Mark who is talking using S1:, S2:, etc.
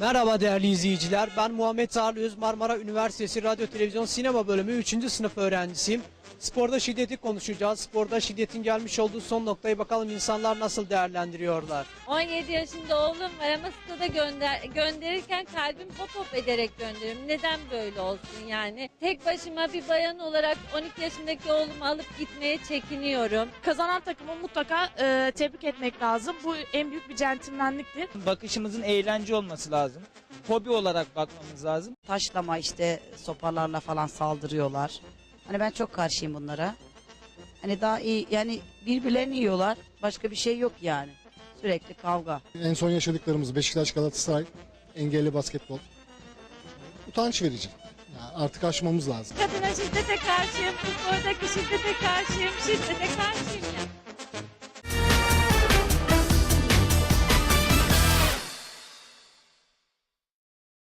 S1: Merhaba değerli izleyiciler. Ben Muhammed Tarlı Öz, Marmara Üniversitesi Radyo Televizyon Sinema Bölümü 3. sınıf öğrencisiyim. Sporda şiddeti konuşacağız. Sporda şiddetin gelmiş olduğu son noktayı bakalım insanlar nasıl değerlendiriyorlar.
S2: 17 yaşında oğlum var ama stada gönderirken kalbim hop hop ederek gönderiyorum. Neden böyle olsun yani? Tek başıma bir bayan olarak 12 yaşındaki oğlumu alıp gitmeye çekiniyorum.
S3: Kazanan takımı mutlaka tebrik etmek lazım. Bu en büyük bir centilmenliktir.
S4: Bakışımızın eğlence olması lazım. Hobi olarak bakmamız lazım.
S5: Taşlama işte sopalarla falan saldırıyorlar. Hani ben çok karşıyım bunlara. Hani daha iyi yani birbirlerini yiyorlar. Başka bir şey yok yani. Sürekli kavga.
S6: En son yaşadıklarımız Beşiktaş, Galatasaray, engelli basketbol. Utanç verici. Yani artık aşmamız lazım.
S2: Kadına şiddete karşıyım, spordaki şiddete karşıyım, şiddete karşıyım ya.